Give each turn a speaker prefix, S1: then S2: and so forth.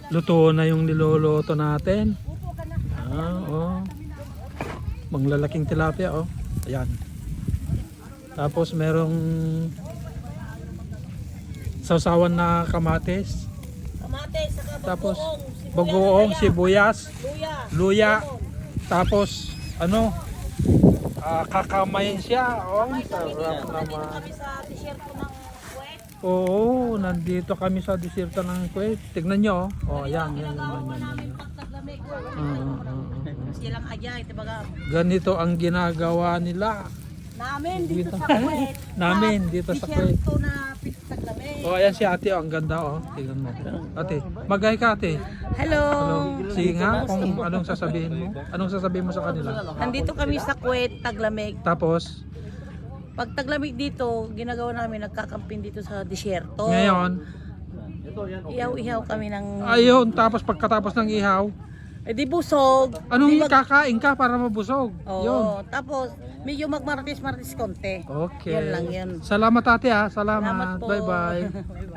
S1: Luto na yung niloloto natin. Oh. Manglalaking tilapia, oh. Ayan. Tapos merong sausawan na kamatis.
S2: Kamatis, saka
S1: Tapos
S2: bagoong,
S1: bagoong, sibuyas, luya.
S2: lemon.
S1: Tapos ano? Kakamayin siya. Oh, sarap
S2: Nandito
S1: naman.
S2: kami sa desierto ng Kuwait.
S1: Oo, nandito kami sa desierto ng Kuwait. Tignan nyo, oh. Oh, ayan, yan, yan,
S2: Ginagawa
S1: yan,
S2: namin
S1: yan.
S2: pagtaglamig.
S1: Mm.
S2: Silang ajay, dibaga.
S1: Ganito ang ginagawa nila.
S2: Namin dito sa Kuwait.
S1: Namin dito sa Kuwait.
S2: Desierto na pagtaglamig.
S1: Oh, ayan si ate, oh, ang ganda, oh. Tingnan mo. Ate, magay ka, ate.
S2: Hello.
S1: Hello. Sige nga, kung anong sasabihin mo. Anong sasabihin mo sa kanila?
S2: Nandito kami sa Kuwait, taglamig.
S1: Tapos,
S2: Pag taglamig dito, ginagawa namin nagkakamping dito sa desierto.
S1: ngayon,
S2: Ihaw-ihaw kami ng
S1: ayun, tapos pagkatapos ng ihaw,
S2: di busog.
S1: anong kakain ka para mabusog?
S2: Oo.
S1: Yun.
S2: Tapos medyo magmartis-martis konti.
S1: Okay.
S2: Yun lang yun.
S1: Salamat ate ha. Salamat.
S2: Salamat po.
S1: Bye bye.